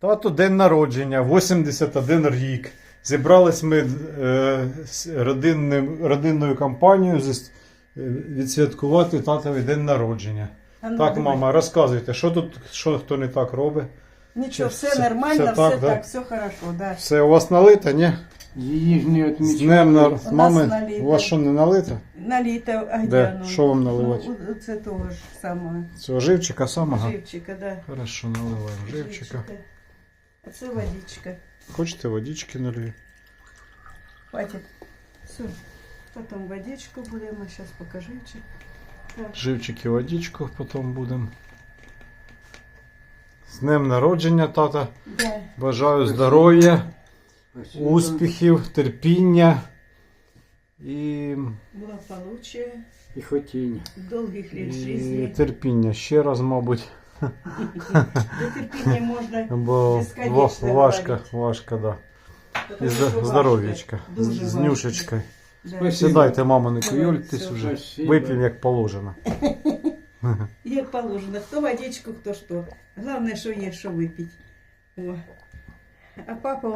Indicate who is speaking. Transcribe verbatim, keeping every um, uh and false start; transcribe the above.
Speaker 1: Тато день народження, вісімдесят один рік. Зібрались ми е, з родинним, родинною компанією зі- відсвяткувати татовий день народження.
Speaker 2: А ну,
Speaker 1: Так,
Speaker 2: давай.
Speaker 1: мама, розказуйте, що тут, що хто не так робить?
Speaker 2: Нічого,
Speaker 1: Все-
Speaker 2: все нормально,
Speaker 1: все
Speaker 2: все,
Speaker 1: так,
Speaker 2: так,
Speaker 1: да?
Speaker 2: все хорошо, да.
Speaker 1: Все у вас налито, ні?
Speaker 3: Її ж не
Speaker 1: З
Speaker 3: відмічали.
Speaker 1: днем на...
Speaker 2: нас
Speaker 1: Мами,
Speaker 2: налито.
Speaker 1: у вас що не налито?
Speaker 2: Наліто, а
Speaker 1: Де?
Speaker 2: ну,
Speaker 1: Що вам наливати?
Speaker 2: Ну, це того ж самого.
Speaker 1: Цього живчика самого?
Speaker 2: Живчика, да.
Speaker 1: Хорошо, наливаємо живчика.
Speaker 2: А це водичка.
Speaker 1: Хочете водички налью?
Speaker 2: Хватит. Все. Потом водичку будем, а сейчас покажи. Так.
Speaker 1: Живчик і водичку потім будемо. З днем народження, тата.
Speaker 2: Да.
Speaker 1: Бажаю здоров'я,
Speaker 3: Спасибо.
Speaker 1: успіхів, терпіння і,
Speaker 2: Благополучие,
Speaker 3: І хотіння.
Speaker 2: долгих лет
Speaker 1: і
Speaker 2: жизни.
Speaker 1: терпіння ще раз, мабуть.
Speaker 2: До терпіння можна
Speaker 1: Бо
Speaker 2: безконечно
Speaker 1: ва- важко,
Speaker 2: говорити.
Speaker 1: важко, да. І
Speaker 2: Тому що
Speaker 1: зда-
Speaker 2: важко.
Speaker 1: здоров'ячка.
Speaker 2: Дуже
Speaker 1: З
Speaker 2: важко.
Speaker 1: нюшечкою.
Speaker 2: Да.
Speaker 3: Спасибо.
Speaker 1: Сідайте, мама, не
Speaker 2: Давай,
Speaker 1: куйольтесь
Speaker 2: все.
Speaker 1: уже.
Speaker 3: Спасибо.
Speaker 1: Вип'ємо як положено.
Speaker 2: Як положено. Хто водичку, хто що. Головне, що є, що випити. О. А папа